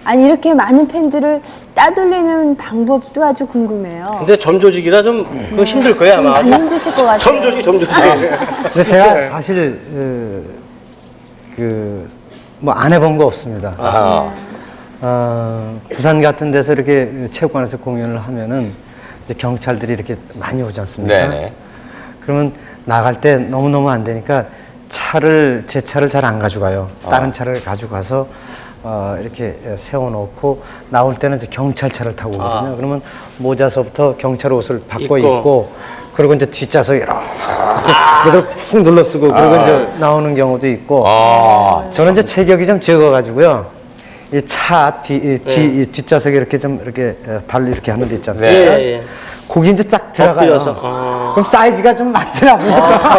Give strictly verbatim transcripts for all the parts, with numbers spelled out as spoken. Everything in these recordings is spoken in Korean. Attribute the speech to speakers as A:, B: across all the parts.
A: 아니 이렇게 많은 팬들을 따돌리는 방법도 아주 궁금해요.
B: 근데 점 조직이라 좀 그거 힘들 거예요 아마.
A: 많이 힘드실 것 같아요.
B: 점 조직, 점 조직.
C: 근데 제가 사실 그 뭐 안 해본 거 없습니다.
B: 아.
C: 어, 부산 같은 데서 이렇게 체육관에서 공연을 하면은 이제 경찰들이 이렇게 많이 오지 않습니까?
D: 네네.
C: 그러면 나갈 때 너무너무 안 되니까 차를, 제 차를 잘 안 가져가요. 다른 차를 가져가서 어, 이렇게 세워놓고 나올 때는 이제 경찰차를 타고 오거든요.
B: 아.
C: 그러면 모자서부터 경찰 옷을 바꿔
B: 입고.
C: 입고, 그리고 이제 뒷좌석에 이렇게 그래서 훅 눌러쓰고 그리고 이제 나오는 경우도 있고.
D: 아.
C: 저는 이제 체격이 좀 적어가지고요. 이 차 뒤, 이 뒤,
B: 네.
C: 이 뒷좌석에 이렇게 좀 이렇게 어, 발 이렇게 하는 데 있지 않습니까?
B: 예, 예.
C: 거기 이제 딱 들어가요.
B: 엎드려서, 어.
C: 그럼 사이즈가 좀 맞더라고요.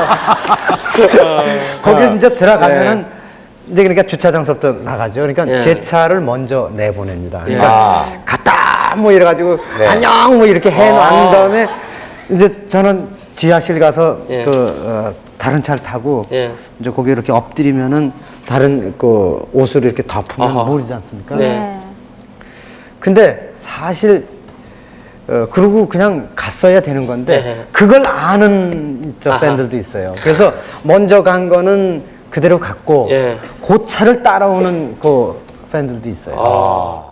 C: 거기 이제 들어가면은 이제 그러니까 주차장서부터 나가죠. 그러니까
B: 예.
C: 제 차를 먼저 내보냅니다.
B: 예.
C: 그러니까
D: 아.
C: 갔다 뭐 이래가지고
D: 네.
C: 안녕 뭐 이렇게 해놓은 다음에 이제 저는 지하실 가서
B: 예.
C: 그 어, 다른 차를 타고
B: 예.
C: 이제 거기 이렇게 엎드리면은 다른 그 옷을 이렇게 덮으면
B: 아하.
C: 모르지 않습니까?
B: 네.
A: 네.
C: 근데 사실 어, 그러고 그냥 갔어야 되는 건데
B: 네.
C: 그걸 아는 저
B: 아하.
C: 팬들도 있어요. 그래서 먼저 간 거는 그대로 갔고
B: 예.
C: 그 차를 따라오는 그 팬들도 있어요.
B: 아.